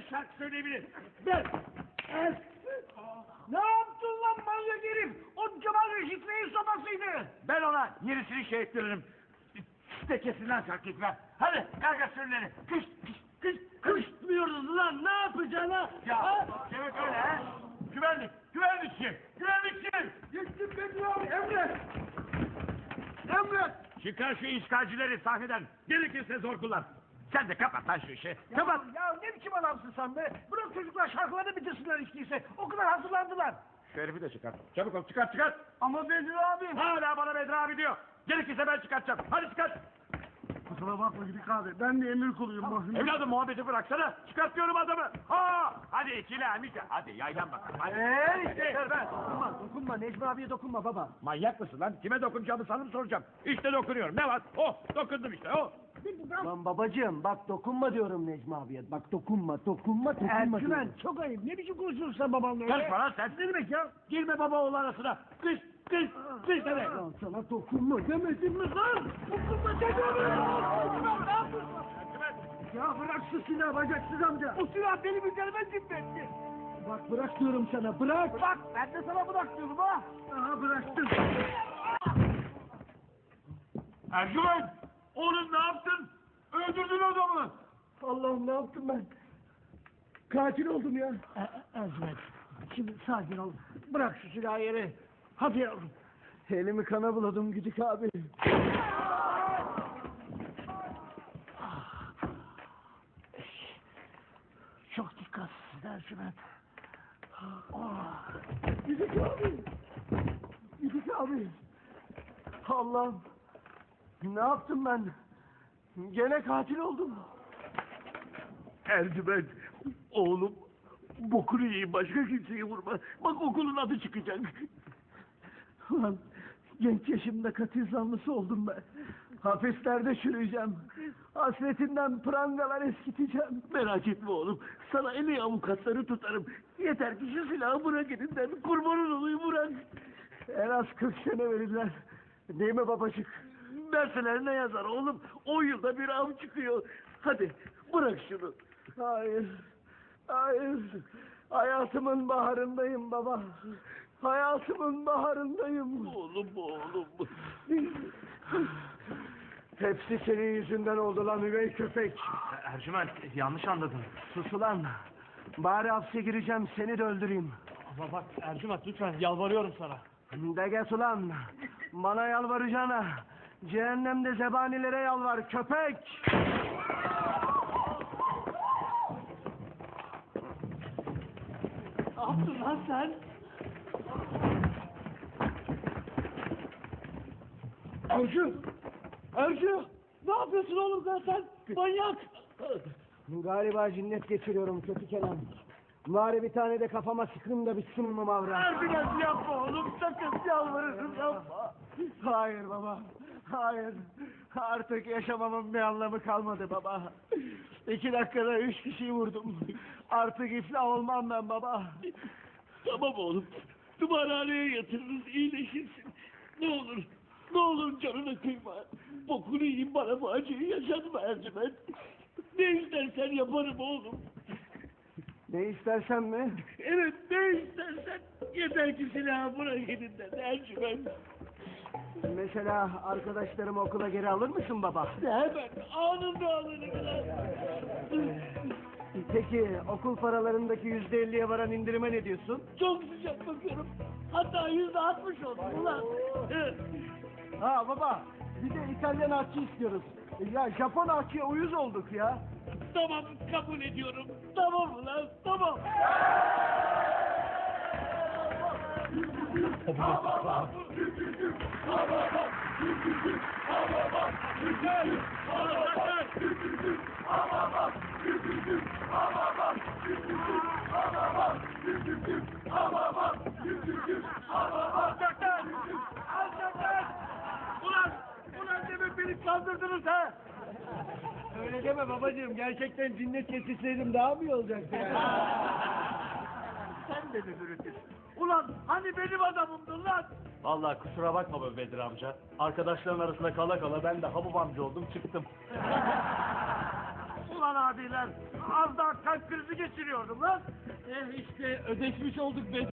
şarkı söyleyebilir. Ben. Ne yaptın lan manyak herif? O Cemal Reşit Bey'in sobasıydı. Ben ona yerisini şey ettiririm. Tekesinden şarkı etmem. Hadi kalk sürüleri. Kış kış kış. Kışmıyoruz lan, ne yapacaksın ha? Ya demek öyle ha? Güvenlikçi. Gittim Bedri abi, emret. Çıkar şu işgalcileri sahneden. Gerekirse zor kullan. Sen de kapat lan şu işi. Kapat. Ya ne biçim adamsın sen be? Bırak çocuklar şarkılarını bitirsinler işteyse. O kadar hazırlandılar. Şu herifi de çıkar. Çabuk ol, çıkar. Ama Bedri abi. Hala bana Bedri abi diyor. Gerekirse ben çıkartacağım. Hadi çıkart. Kusura bakma Gidik abi. Ben de emir kuluyum. Evladım muhabbeti bıraksana. Çıkartıyorum adamı. Hadi ikili Amika. Hadi yaylan bakalım. Hadi. Yeter be. Dokunma. Necmi abiye dokunma baba. Manyak mısın lan? Kime dokunacağımı sana mı soracağım? İşte dokunuyorum. Ne var? Dokundum işte. Lan babacığım bak dokunma diyorum Necmi abiye. Bak dokunma. Ercümen çok ayıp. Ne biçim konuşuyorsun sen babanla öyle? Karışma lan sen. Ne demek ya? Girme baba oğlu arasına. Kış demek. Lan sana dokunma demedim mi lan? Dokunma demiyorum. Ne yapıyorsun? Ya bırak şu silahı bacaksız amca. O silah benim üzerime zimmetti. Bak bırak diyorum sana bırak. Bak ben de sana bırak diyorum ha. Aha bıraktım. Ercümen! Oğlum ne yaptın? Öldürdün adamı. Allah'ım ne yaptım ben? Katil oldum ya. Ercümen şimdi sakin ol. Bırak şu silahı yere. Hadi yavrum. Elimi kana buladım Gidik abi. Çok dikkatsiz Ercümen. Gidik abi. Allah'ım. Ne yaptım ben? Gene katil oldum. Ercümen oğlum bokunu yiyeyim başka kimseyi vurma. Bak okulun adı çıkacak. Ulan genç yaşımda katil zanlısı oldum ben. Hapislerde çürüyeceğim. Hasretinden prangalar eskiteceğim. Merak etme oğlum. Sana en iyi avukatları tutarım. Yeter ki şu silahı bırak elinden. Kurbanın olayım bırak. En az 40 sene verirler. Değil mi babacık? Verseler ne yazar oğlum? 10 yılda bir av çıkıyor. Hadi bırak şunu. Hayır. Hayatımın baharındayım baba. Hayatımın baharındayım. Oğlum. Hepsi senin yüzünden oldu lan üvey köpek. Ercüment yanlış anladın. Sus ulan. Bari hapse gireceğim seni de öldüreyim. Ama bak Ercüment lütfen yalvarıyorum sana. De get ulan. Bana yalvaracağına. Cehennemde zebanilere yalvar köpek. Ne yaptın lan sen? Ercü! Ne yapıyorsun oğlum sen? Manyak! Galiba cinnet geçiriyorum kötü Kenan. Bari bir tane de kafama sıkın da bitsin mi mavra? Ercüment yapma oğlum, sakın yalvarırım yapma. Hayır baba, hayır. Artık yaşamamın bir anlamı kalmadı baba. 2 dakikada 3 kişiyi vurdum. Artık iflah olmam ben baba. Tamam oğlum, tımarhaneye yatırırız, iyileşirsin. Ne olur canını kıyma. Bokunu yiyeyim, bana bu acıyı yaşatma Ercüment. Ne istersen yaparım oğlum. Ne istersen mi? Evet, ne istersen. Yeter ki silahı bırak elinden Ercüment. Mesela arkadaşlarımı okula geri alır mısın baba? Hemen anında alırım lan. Peki okul paralarındaki %50'ye varan indirime ne diyorsun? Çok sıcak bakıyorum. Hatta %60 oldu ulan. Ha baba, bir de İtalyan aşçı istiyoruz. Ya Japon aşçıya uyuz olduk ya. Tamam, kabul ediyorum. Tamam ulan, tamam. Ulan demek beni kandırdınız ha? Öyle deme babacığım, gerçekten cinnet geçirseydim daha mı iyi olacaktı yani? Sen de mi bürütüsün? Ulan hani benim adamımdın lan? Vallahi kusura bakma be Bedir amca. Arkadaşların arasında kala kala ben de Habub amca oldum çıktım. Ulan abiler, az daha kalp krizi geçiriyordum lan. İşte ödeşmiş olduk Bedri.